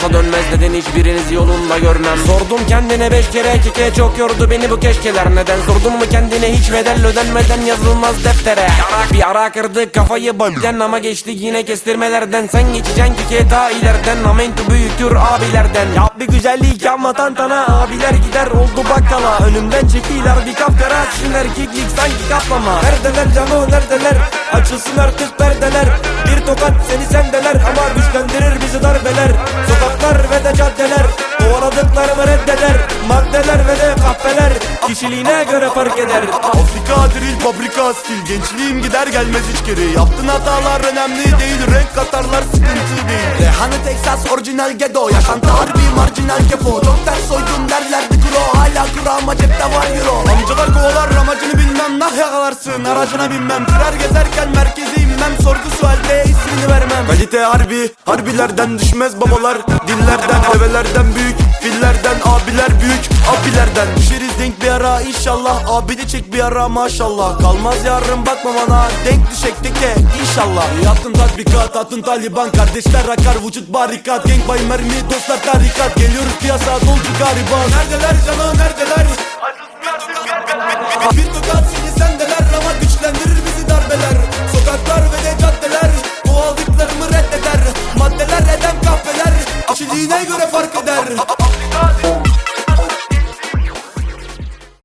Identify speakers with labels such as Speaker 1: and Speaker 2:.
Speaker 1: olmasa dönmez, neden hiçbirinizi yolunda görmem. Sordum kendine 5 kere keke, çok yordu beni bu keşkeler. Neden sordun mu kendine, hiç bedel ödenmeden yazılmaz deftere. Bir ara kırdık kafayı bolden ama geçtik yine kestirmelerden. Sen geçeceksin keke ta ileriden, amento büyüktür abilerden. Yap bir güzellik yapma tantana, abiler gider oldu bakkala. Önümden çekiler bir kapkara, sizin erkeklik sanki kaplama. Neredeler canı neredeler, açılsın artık perdeler. Bir tokat seni sendeler ama güçlendirir bizi darbeler. Sokaklar ve de caddeler kovaladıklarımı reddeder. Maddeler ve de kahveler kişiliğine göre fark eder.
Speaker 2: Afrika drill fabrika stil, gençliğim gider gelmez hiç geri. Yaptığın hatalar önemli değil, renk katarlar sıkıntı değil. Rehane Texas orijinal ghetto, yaşantı harbi marjinal kefo. Çok ters soydum derlerdi kuro, hala kuro ama cepte var euro. Amcalar kovalar amacını bilmem, nah yakalarsın aracına binmem. Sürer gezerken merkeze inmem, sorgu sualde ismini vermem. Kalite harbi, harbilerden düşmez babalar. Dillerden, develerden büyük, fillerden abiler büyük, abilerden. Düşeriz denk bir ara inşallah, abi de çek bir ara maşallah. Kalmaz yarın bakma bana, denk düşek teke inşallah. Yaptın tatbikat, attın Taliban, kardeşler akar vücut barikat. Gang bay mermi, dostlar tarikat, geliyoruz piyasa doldu gariban. Neredeler canım neredeler? Bir tokat